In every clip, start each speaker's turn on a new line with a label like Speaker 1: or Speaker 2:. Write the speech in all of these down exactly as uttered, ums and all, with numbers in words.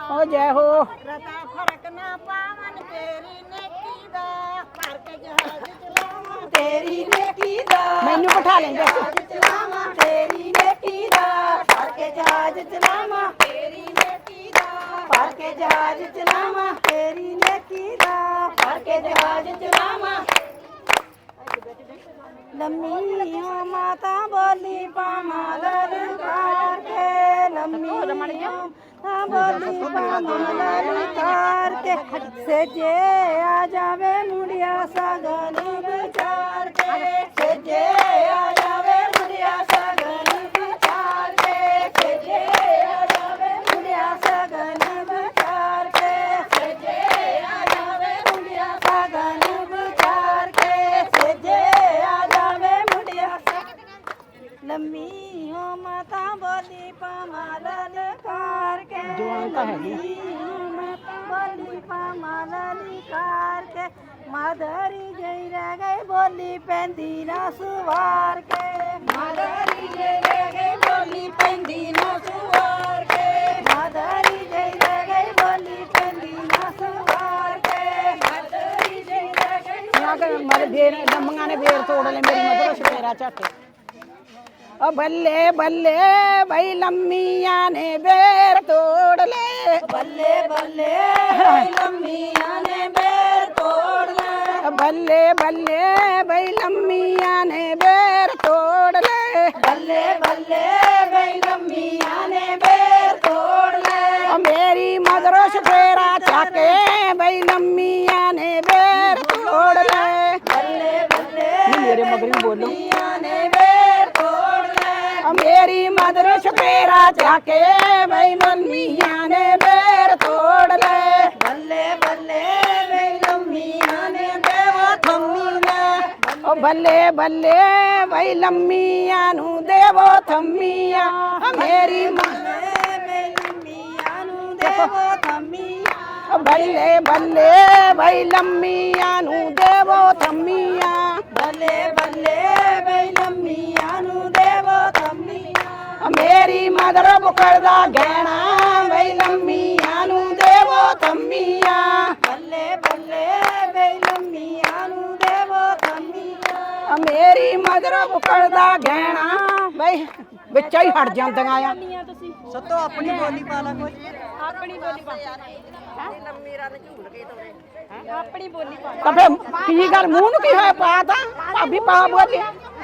Speaker 1: ओ जय हो।
Speaker 2: रता फर्क ना पावन तेरी नेकी दा भर के जहाज चलावा तेरी नेकी दा
Speaker 1: मैनू बिठा लेंगे
Speaker 2: चलावा तेरी नेकी दा भर के जहाज चलावा तेरी नेकी दा भर के जहाज चलावा तेरी नेकी दा भर के जहाज चलावा लम्मी हो माता बोली पामा ललकार के लम्मी हो माता बोली पामा ललकार के सजे आ जावे मुड़िया सगन विचार के सजे आ जावे मुड़िया सगन विचार के सजे आ जावे मुड़िया सगन विचार के सजे आ जावे मुड़िया सगन विचार के सजे लम्मी हो माता बोली पामा ललकार के लम्मी हो माता बोली पामा ललकार के माधरी जई रह गई बोली पैंदी ना सुवार के माधरी जई रह गई बोली पैंदी ना सुवार के माधरी जई रह गई बोली पैंदी ना सुवार के माधरी जई रह गई
Speaker 1: मेरे बेर लम्मियां ने बेर तोड़ ले मेरी मदर शपेरा झट ओ बल्ले बल्ले भाई लम्मिया ने बेर तोड़ ले
Speaker 2: बल्ले बल्ले भाई लम्मिया ने बेर तोड़ ले
Speaker 1: बल्ले बल्ले भाई लम्मिया ने बेर तोड़ ले
Speaker 2: बल्ले बल्ले भाई लम्मिया ने बेर तोड़ ले
Speaker 1: ओ मेरी मदरो शपेरा चाके भाई लम्मिया ने बेर तोड़ ले
Speaker 2: बल्ले बल्ले
Speaker 1: मेरे मगरी बोलो
Speaker 2: ने बेर तोड़
Speaker 1: मेरी मदर शपेरा जाके भाई लम्मिया ने बेर तोड़ ले
Speaker 2: बल्ले बल्ले भाई लम्मिया ने देवो थम्मिया
Speaker 1: ओ बल्ले बल्ले भाई लम्मिया नू देवो थम्मिया मेरी
Speaker 2: भाई लम्मिया नू देवो थम्मिया
Speaker 1: बल्ले बल्ले भाई लम्मिया नू देवो थम्मिया
Speaker 2: बल्ले बल्ले भाई लम्मिया नू देवो थम्मिया
Speaker 1: मेरी मदर बुकड़दा गहना भाई लम्मिया नू देवो थम्मिया
Speaker 2: बल्ले बल्ले भाई लम्मिया नू देवो थम्मिया
Speaker 1: मेरी मदर बुकड़दा गहना भाई ਵਿੱਚਾ ਹੀ ਹਟ ਜਾਂਦੀਆਂ ਆ
Speaker 2: ਸੱਤੋ ਆਪਣੀ ਬੋਲੀ ਪਾ ਲਾ ਕੋਈ ਆਪਣੀ ਬੋਲੀ ਪਾ ਲੰਮੀ ਰਨ ਝੂਲ ਕੇ ਤੋਰੇ ਆਪਣੀ ਬੋਲੀ ਪਾ
Speaker 1: ਤਾਂ ਫੇ ਕੀ ਗੱਲ ਮੂੰਹ ਨੂੰ ਕੀ ਹੋਇਆ ਪਾ ਤਾਂ ਭਾਬੀ ਪਾ ਬੋਲੀ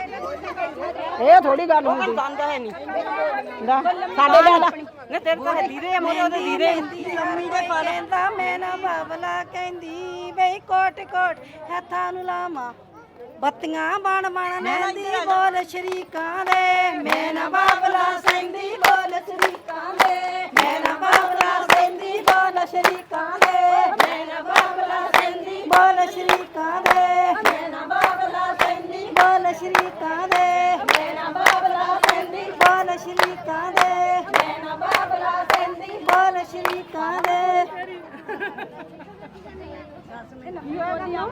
Speaker 1: ਇਹ ਥੋੜੀ ਗੱਲ ਹੁੰਦੀ
Speaker 2: ਦੰਦ ਹੈ ਨਹੀਂ
Speaker 1: ਲੈ ਸਾਡੇ ਲੈ ਲੈ
Speaker 2: ਨੇ ਤੇਰੇ ਤਾਂ ਲੀਰੇ ਮੋਰੇ ਉਹਦੇ ਲੀਰੇ ਲੰਮੀ ਦੇ ਪਾ ਲੈਂਦਾ ਮੈਂ ਨਾ ਬਾਬਲਾ ਕਹਿੰਦੀ ਬਈ ਕੋਟ ਕੋਟ ਹੱਥਾਂ ਨੂੰ ਲਾਵਾਂ ਬੱਤੀਆਂ ਬਣ ਬਣ ਨਹਿੰਦੀ ਬੋਲ ਸ਼ਰੀਕਾਂ ਦੇ ਮੈਂ ਨਾ ਬਾਬਲਾ ਸੈਂਦੀ ਬੋਲ ਸ਼ਰੀਕਾਂ ਦੇ ਮੈਂ ਨਾ ਬਾਬਲਾ ਸੈਂਦੀ ਬੋਲ ਸ਼ਰੀਕਾਂ ਦੇ ਮੈਂ ਨਾ ਬਾਬਲਾ ਸੈਂਦੀ ਬੋਲ ਸ਼ਰੀਕਾਂ ਦੇ ਮੈਂ ਨਾ ਬਾਬਲਾ ਸੈਂਦੀ ਬੋਲ ਸ਼ਰੀਕਾਂ ਦੇ ਮੈਂ ਨਾ ਬਾਬਲਾ ਸੈਂਦੀ ਬੋਲ ਸ਼ਰੀਕਾਂ ਦੇ ਮੈਂ ਨਾ ਬਾਬਲਾ ਸੈਂਦੀ ਬੋਲ ਸ਼ਰੀਕਾਂ ਦੇ